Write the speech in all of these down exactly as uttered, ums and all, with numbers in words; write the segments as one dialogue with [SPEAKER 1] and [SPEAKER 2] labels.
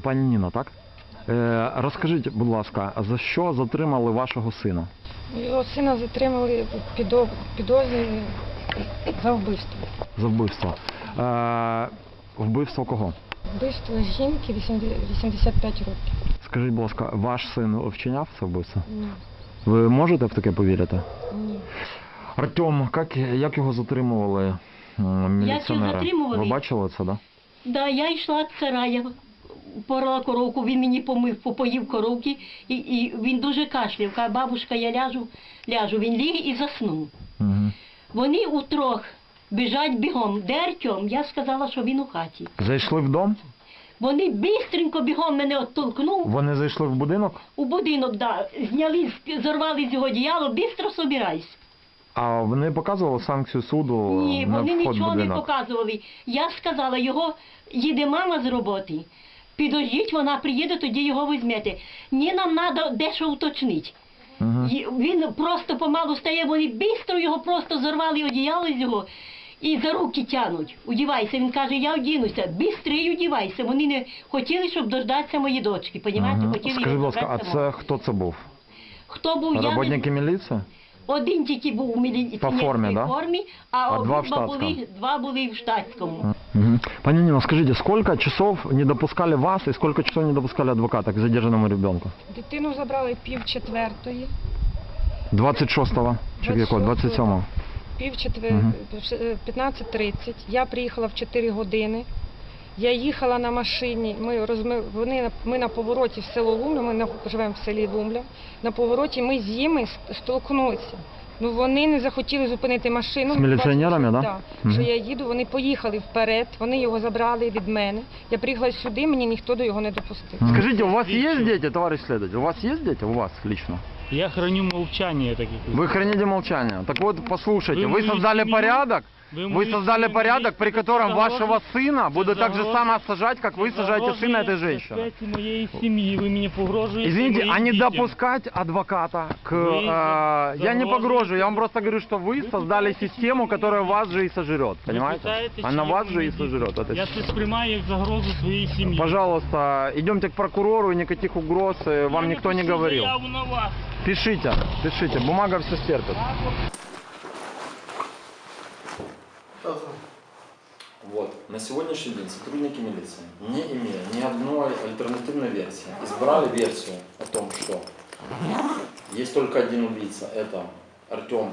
[SPEAKER 1] Пані Ніна, так? Е, розкажіть, будь ласка, за що затримали вашого сина?
[SPEAKER 2] Його сина затримали підо- підозрі за вбивство.
[SPEAKER 1] За вбивство. Е, вбивство кого?
[SPEAKER 2] Вбивство жінки вісімдесят п'ять років.
[SPEAKER 1] Скажіть, будь ласка, ваш син вчиняв це вбивство?
[SPEAKER 2] Ні.
[SPEAKER 1] Ви можете в таке повірити?
[SPEAKER 2] Ні.
[SPEAKER 1] Артем, як, як його затримували м, міліціонери?
[SPEAKER 3] затримували?
[SPEAKER 1] Ви бачили це, так? Да?
[SPEAKER 3] Да, я йшла з сарая, порала коровку, він мені помив, попоїв коровки, і, і він дуже кашляв. Каже, бабушка, я ляжу, ляжу. Він ліг і заснув.
[SPEAKER 1] Угу.
[SPEAKER 3] Вони утрох біжать бігом. Де Артем? Я сказала, що він у хаті.
[SPEAKER 1] Зайшли в дом?
[SPEAKER 3] Вони бистренько бігом мене оттолкнув
[SPEAKER 1] Вони зайшли в будинок?
[SPEAKER 3] у будинок, да, зняли, зорвали з його одіяло, бистро собирайся.
[SPEAKER 1] А вони показували санкцію суду
[SPEAKER 3] Ні,
[SPEAKER 1] на
[SPEAKER 3] вони
[SPEAKER 1] вход в
[SPEAKER 3] нічого не
[SPEAKER 1] будинок?
[SPEAKER 3] показували. Я сказала, його їде мама з роботи. Підождіть, вона приїде, тоді його візьмете. Ні, нам треба дещо уточнити.
[SPEAKER 1] Угу.
[SPEAKER 3] І він просто помалу стає, вони бистро його просто зорвали одіяло з його і за руки тянуть. Удівайся. Він каже, я одінуся. Бистрий одівайся. Вони не хотіли, щоб дождатися мої дочки. Понімаєте?
[SPEAKER 1] Угу.
[SPEAKER 3] Хотіли
[SPEAKER 1] Скажіть, будь
[SPEAKER 3] його
[SPEAKER 1] ласка, а
[SPEAKER 3] забрати
[SPEAKER 1] це
[SPEAKER 3] самого.
[SPEAKER 1] хто це був?
[SPEAKER 3] Хто був, я не...
[SPEAKER 1] Роботники міліції?
[SPEAKER 3] Один тільки був у міліційній
[SPEAKER 1] По формі, да?
[SPEAKER 3] формі, а,
[SPEAKER 1] А
[SPEAKER 3] обидва
[SPEAKER 1] два в штатському?
[SPEAKER 3] були, два були в штатському.
[SPEAKER 1] Угу. Пані Ніно, скажіть, сколько часов не допускали вас и сколько часов не допускали адвоката к задержанному ребенку?
[SPEAKER 2] Дитину забрали пів четвертої.
[SPEAKER 1] двадцять шостого чи якого? двадцять сьомого?
[SPEAKER 2] Пів четвер...
[SPEAKER 1] Мгм.
[SPEAKER 2] п'ятнадцять тридцять. Я приїхала в чотири години. Я їхала на машині, ми, розми... Вони... на- ми на повороті в село Лумля, ми на... живемо в селі Лумля. На повороті ми з ними ст- столкнулися. Ну вони не захотіли зупинити машину.
[SPEAKER 1] З міліціонерами, да?
[SPEAKER 2] Так,
[SPEAKER 1] Мгм.
[SPEAKER 2] що я їду, вони поїхали вперед, вони його забрали від мене. Я приїхала сюди, мені ніхто до його не допустив.
[SPEAKER 1] Скажите, у вас есть дети, товарищ следователь? У вас есть дети? У вас лично?
[SPEAKER 4] Я храню молчание таких.
[SPEAKER 1] Вы храните молчание. Так вот, послушайте,
[SPEAKER 4] Вы
[SPEAKER 1] вы
[SPEAKER 4] мою
[SPEAKER 1] создали
[SPEAKER 4] семью-
[SPEAKER 1] порядок,
[SPEAKER 4] Вы,
[SPEAKER 1] вы создали порядок, при котором вашего сына будут так же само сажать, как вы сажаете сына этой женщины.
[SPEAKER 4] моей семьи, вы мне погрожаете.
[SPEAKER 1] Извините,
[SPEAKER 4] моим
[SPEAKER 1] а не
[SPEAKER 4] детям.
[SPEAKER 1] допускать адвоката к...
[SPEAKER 4] Вы
[SPEAKER 1] э, я не
[SPEAKER 4] загроживаете-
[SPEAKER 1] погрожу, я вам просто говорю, что вы
[SPEAKER 4] Вы
[SPEAKER 1] создали
[SPEAKER 4] пытаетесь
[SPEAKER 1] систему,
[SPEAKER 4] меня-
[SPEAKER 1] которая вас же и сожрет,
[SPEAKER 4] Ви
[SPEAKER 1] понимаете?
[SPEAKER 4] питаєте,
[SPEAKER 1] Она
[SPEAKER 4] чи
[SPEAKER 1] вас
[SPEAKER 4] я
[SPEAKER 1] же и
[SPEAKER 4] мої діти?
[SPEAKER 1] сожрет. эта
[SPEAKER 4] Я
[SPEAKER 1] система.
[SPEAKER 4] це сприймаю як загрозу своїй сім'ї.
[SPEAKER 1] Пожалуйста, идемте к прокурору, никаких угроз э, вам
[SPEAKER 4] Я
[SPEAKER 1] никто не
[SPEAKER 4] напишу
[SPEAKER 1] говорил.
[SPEAKER 4] заяву на вас.
[SPEAKER 1] Пишите, пишите, бумага все стерпит.
[SPEAKER 5] Вот. На сегодняшний день сотрудники милиции, не имея ни одной альтернативной версии, избрали версию о том, что есть только один убийца, это Артем.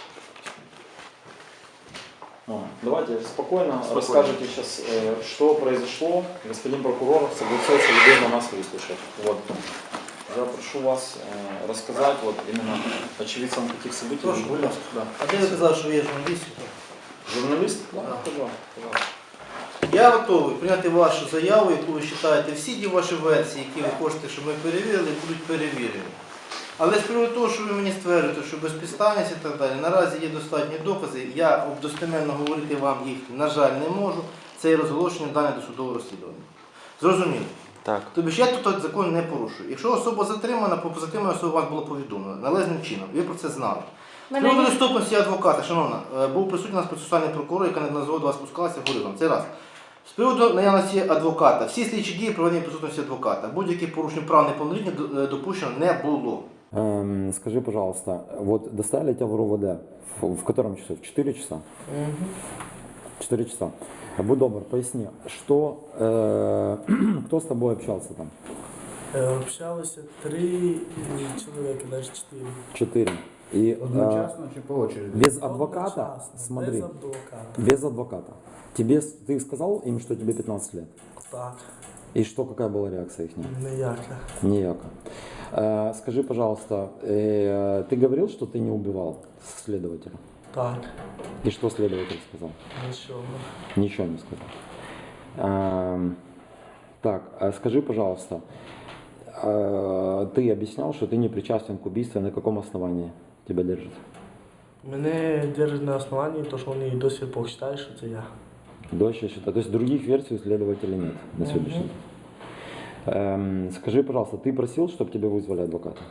[SPEAKER 5] Мама, давайте спокойно,
[SPEAKER 6] Спокойно.
[SPEAKER 5] расскажите сейчас, э, что произошло. Господин прокурор согласился любезно нас выслушать. Вот. Я прошу вас э, рассказать вот именно очевидцам каких событий
[SPEAKER 6] Прошу,
[SPEAKER 5] вы были.
[SPEAKER 6] будь ласка.
[SPEAKER 5] Да.
[SPEAKER 6] А де ви казали, що ви є журналістом?
[SPEAKER 5] Журналист? Да,
[SPEAKER 6] Да.
[SPEAKER 5] пожалуйста, пожалуйста.
[SPEAKER 6] Я готовий прийняти вашу заяву, яку ви вважаєте, всі ті ваші версії, які ви хочете, щоб ми перевірили, будуть перевірені. Але з приводу того, що ви мені стверджуєте, що безпідставність і так далі, наразі є достатні докази, я достеменно говорити вам їх, на жаль, не можу. Це є розголошення даних досудового розслідування. Зрозуміло?
[SPEAKER 5] Так.
[SPEAKER 6] Тобто ж я тут закон не порушую. Якщо особа затримана, по затриманій особі вас було повідомлено належним чином, ви про це знали. З приводу доступності адвоката, шановна, е, був присутній у нас процесуальний прокурор, яка неодноразово до вас спускалася, говорив вам. Це раз. З приводу наявності адвоката, всі слідчі дії проведені в присутності адвоката. Будь-яких порушень прав неповнолітніх е, допущено не було.
[SPEAKER 7] Эм, скажи, пожалуйста, вот доставили тебя в РОВД в, в котором часу? В четыре часа? четыре часа. Будь добр, поясни, что, э, кто с тобой общался там?
[SPEAKER 8] Е, Общалося три чоловіка, навіть чотири.
[SPEAKER 7] Четыре. И
[SPEAKER 9] Одночасно чи по очереди?
[SPEAKER 7] без адвоката,
[SPEAKER 8] Одночасно,
[SPEAKER 7] смотри,
[SPEAKER 8] Без адвоката.
[SPEAKER 7] без адвоката. Тебе, с- ты сказал им, что тебе пятнадцать лет?
[SPEAKER 8] Так,
[SPEAKER 7] И что, какая была реакция их?
[SPEAKER 8] ніяка.
[SPEAKER 7] Ніяка. Э, скажи, пожалуйста, э, ты говорил, что ты не убивал следователя?
[SPEAKER 8] Так,
[SPEAKER 7] И что следователь сказал?
[SPEAKER 8] нічого.
[SPEAKER 7] Ничего не сказал. Эм, так, а скажи, пожалуйста, э, ты объяснял, что ты не причастен к убийству, на каком основании тебя держат?
[SPEAKER 8] Мене держать на основанні, то що вони до сих пор вважають, що це я.
[SPEAKER 7] Дольше счета. То есть других версий у следователя нет на сегодняшний день. Эм, скажи, пожалуйста, ты просил, чтобы тебе вызвали адвоката?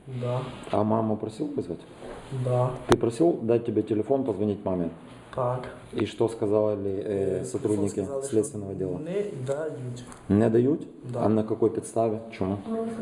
[SPEAKER 8] Да.
[SPEAKER 7] А маму просил вызвать?
[SPEAKER 8] Да.
[SPEAKER 7] Ты просил дать тебе телефон, позвонить маме?
[SPEAKER 8] Так.
[SPEAKER 7] И что сказали э, сотрудники
[SPEAKER 8] Сказали, що
[SPEAKER 7] следственного дела?
[SPEAKER 8] Не дають.
[SPEAKER 7] Не дают?
[SPEAKER 8] Да.
[SPEAKER 7] А на какой подставе? Чему?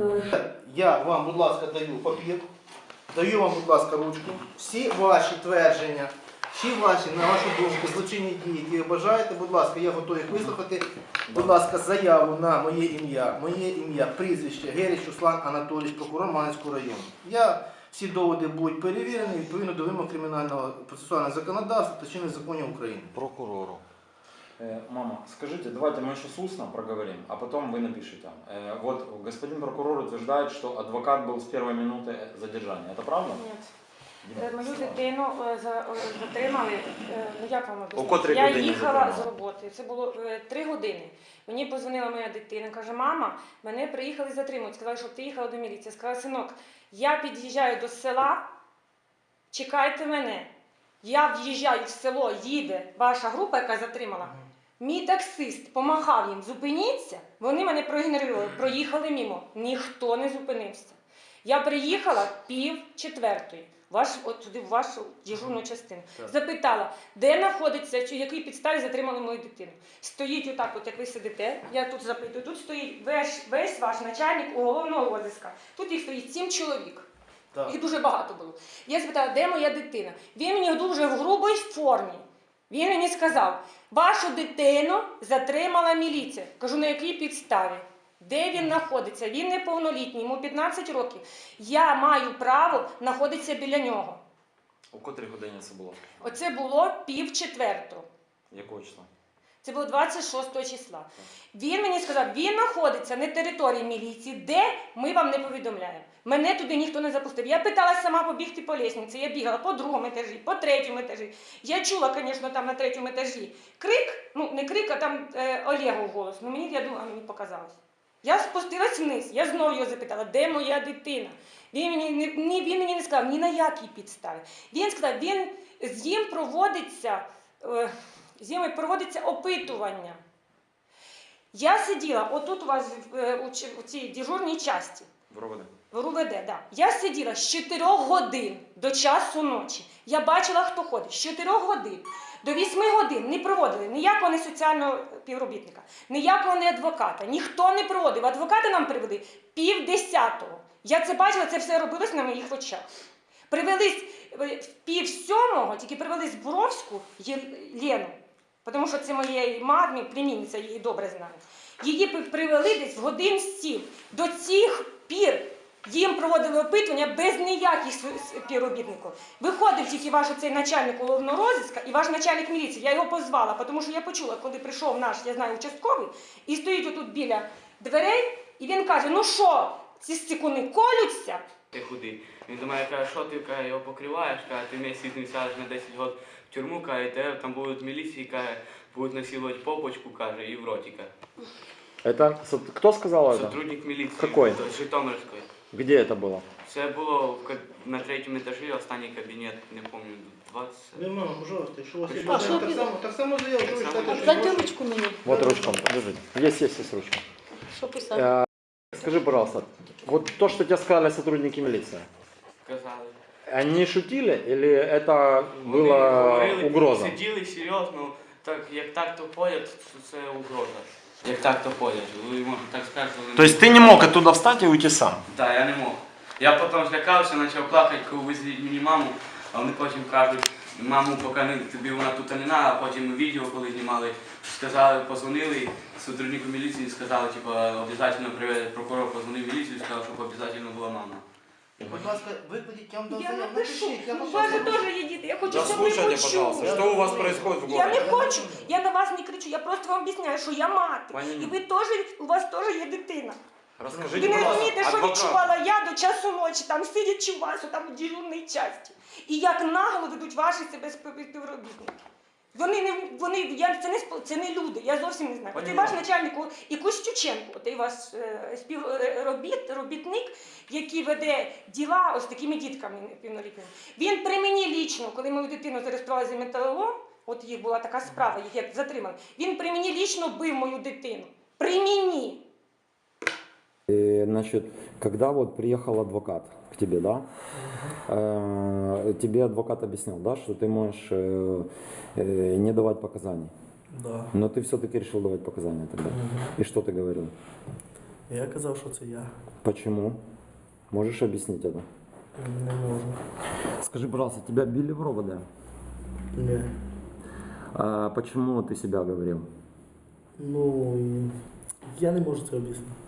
[SPEAKER 6] Я вам, будь ласка, даю папір, даю вам, будь ласка, ручку. Всі ваші твердження, всі ваші, на вашу думку, злочинні дії, які ви бажаєте, будь ласка, я готовий їх вислухати. Будь ласка, заяву на моє ім'я, моє ім'я, прізвище Герич Руслан Анатолійович, прокурор Маневського району. Я, всі доводи будуть перевірені відповідно до вимог кримінального процесуального законодавства та чинних законів України.
[SPEAKER 5] Прокурору. Э, Мама, скажите, давайте мы еще с устно проговорим, а потом вы напишите. Э, Вот господин прокурор утверждает, что адвокат был с первой минуты задержания. Это правда?
[SPEAKER 2] Ні. Е, Мою дитину е, за- е, затримали, е, ну як вам
[SPEAKER 5] О
[SPEAKER 2] об'яснити?
[SPEAKER 5] котрій
[SPEAKER 2] Я
[SPEAKER 5] годині
[SPEAKER 2] їхала
[SPEAKER 5] затримали?
[SPEAKER 2] з роботи, це було е, три години. Мені позвонила моя дитина, каже, мама, мене приїхали затримувати. Сказали, щоб ти їхала до міліції. Я сказала, синок, я під'їжджаю до села, чекайте мене. Я в'їжджаю в село, їде ваша група, яка затримала. Мій таксист помахав їм, зупиніться, вони мене проігнорували, проїхали мімо. Ніхто не зупинився. Я приїхала пів четвертої, ваш, от туди в вашу дежурну частину. Запитала, де знаходиться, чи якій підставі затримали мою дитину. Стоїть отак, от як ви сидите, я тут запитую, тут стоїть весь, весь ваш начальник уголовного розыска. Тут їх стоїть сім чоловік.
[SPEAKER 6] Так.
[SPEAKER 2] Їх дуже багато було. Я запитала, де моя дитина? Він мені дуже в грубій формі. Він мені сказав, вашу дитину затримала міліція. Кажу, на якій підставі? Де він знаходиться? Він неповнолітній, йому п'ятнадцять років. Я маю право знаходитися біля нього.
[SPEAKER 5] У котрій годині це було?
[SPEAKER 2] Оце було пів четвертого.
[SPEAKER 5] Якого числа?
[SPEAKER 2] Це було двадцять шостого числа. Він мені сказав, він знаходиться на території міліції, де ми вам не повідомляємо. Мене туди ніхто не запустив. Я питалася сама побігти по лестниці. Я бігала по другому етажі, по третьому етажі. Я чула, звісно, там на третьому етажі крик, ну не крик, а там е, Олегов голос. Ну мені, я думала, мені показалось. Я спустилась вниз, я знову його запитала, де моя дитина? Він мені, не, ні, він мені не сказав, ні на якій підставі. Він сказав, він, з ним проводиться, е, з ними проводиться опитування. Я сиділа, отут у вас е, у, ч- у цій дежурній часті,
[SPEAKER 5] В РОВД.
[SPEAKER 2] в РУВД, да. Я сиділа з чотирьох годин до часу ночі. Я бачила, хто ходить. З чотирьох годин до вісьми годин не проводили ніякого не соціального співробітника, ніякого не адвоката. Ніхто не проводив. Адвокати нам привели пів десятого. Я це бачила, це все робилось на моїх очах. Привели в пів сьомого, тільки привели з Буровську Є- Лену, тому що це моєї мамі, племінниця, її добре знає. Її пи- привели десь в годин сім. До цих пір їм проводили опитування без ніяких с- співробітників. Виходив тільки ваш оцей начальник уголовного розыска і ваш начальник міліції. Я його позвала, тому що я почула, коли прийшов наш, я знаю, участковий, і стоїть отут біля дверей, і він каже, ну що, ці стікуни колються?
[SPEAKER 9] Ти худий. Він до мене каже, що ти каже, його покриваєш, каже, ти місяць не сядеш на десять років в тюрму, каже, тебе там будуть міліції, каже, будуть насилувати попочку, каже, і в роті, каже.
[SPEAKER 1] Это со- кто сказал это?
[SPEAKER 9] Сотрудник міліції.
[SPEAKER 1] Какой?
[SPEAKER 9] З Житомирської.
[SPEAKER 1] Где это было?
[SPEAKER 9] Це було в ка- на третьому етажі, останній кабінет, не пам'ятаю, двадцять.
[SPEAKER 6] Ви, мама, пожалуйста, якщо у вас є
[SPEAKER 9] А
[SPEAKER 6] бажання,
[SPEAKER 3] що
[SPEAKER 6] так
[SPEAKER 3] ти-
[SPEAKER 6] само, так само заяву, що ви
[SPEAKER 9] Так само.
[SPEAKER 6] читаєте, що
[SPEAKER 3] За ручку мені.
[SPEAKER 1] Вот ручка, подержите. Есть, есть, есть ручка.
[SPEAKER 3] Що писати?
[SPEAKER 1] Э, Скажи, пожалуйста, вот то, что тебе сказали сотрудники милиции,
[SPEAKER 9] Казали.
[SPEAKER 1] они шутили или это
[SPEAKER 9] Вони
[SPEAKER 1] была
[SPEAKER 9] говорили,
[SPEAKER 1] угроза?
[SPEAKER 9] Сиділи серйозно, так, як так то ходять, то це угроза. Як так то ходять, ви можете так сказати. вони-
[SPEAKER 1] То есть ты не мог оттуда встать и уйти сам?
[SPEAKER 9] Так, я не мог. Я потім злякався, почав плакати, коли визвіть мені маму, а вони потім кажуть, маму, поки не, тобі вона тут не треба, а потім відео, коли знімали, сказали, позвонили сотруднику міліції, сказали, типу, обов'язково приведе, прокурор позвонив в міліцію і сказав, щоб обов'язково була мама.
[SPEAKER 6] Будь ласка, викладіть, я вам дам
[SPEAKER 2] Я
[SPEAKER 6] заяву,
[SPEAKER 2] напишу.
[SPEAKER 6] напишіть, я
[SPEAKER 2] У
[SPEAKER 6] вам
[SPEAKER 2] вас же
[SPEAKER 6] щас
[SPEAKER 2] теж є діти. Я хочу,
[SPEAKER 5] Да
[SPEAKER 2] щоб ви
[SPEAKER 5] слушайте,
[SPEAKER 2] почули.
[SPEAKER 5] пожалуйста, что у вас происходит в
[SPEAKER 2] Я
[SPEAKER 5] городе?
[SPEAKER 2] не хочу, я на вас не кричу, я просто вам об'ясняю, що я мати.
[SPEAKER 5] Пані
[SPEAKER 2] І
[SPEAKER 5] Ніна.
[SPEAKER 2] ви теж, у вас теж є дитина.
[SPEAKER 5] Расскажите,
[SPEAKER 2] Ви не
[SPEAKER 5] пожалуйста,
[SPEAKER 2] розумієте, що
[SPEAKER 5] адвокат.
[SPEAKER 2] відчувала я до часу ночі, там сидячи у вас, там у дежурній часті. І як нагло ведуть ваші себе спів- співробітники. Вони не, вони, я, це, не, спо- це не люди, я зовсім не знаю.
[SPEAKER 5] Пані
[SPEAKER 2] От і ваш
[SPEAKER 5] Ніна.
[SPEAKER 2] начальник, і Костюченко, от і ваш е, співробіт, робітник, який веде діла ось такими дітками півнолітніми. Він при мені лічно, коли мою дитину зареєстрували за металолом, от їх була така справа, їх як затримали, він при мені лічно бив мою дитину. При мені.
[SPEAKER 7] И, значит, когда вот приехал адвокат к тебе, да, э, тебе адвокат объяснил, да, что ты можешь э, э, не давать показаний.
[SPEAKER 8] Да.
[SPEAKER 7] Но ты все-таки решил давать показания тогда. И что ты говорил?
[SPEAKER 8] Я казав, що це я.
[SPEAKER 7] Почему? Можешь объяснить это?
[SPEAKER 8] Не можу.
[SPEAKER 7] Скажи, пожалуйста, тебя били в РОВД?
[SPEAKER 8] Ні.
[SPEAKER 7] А почему ты себя говорил?
[SPEAKER 8] Ну, я не можу це об'яснити.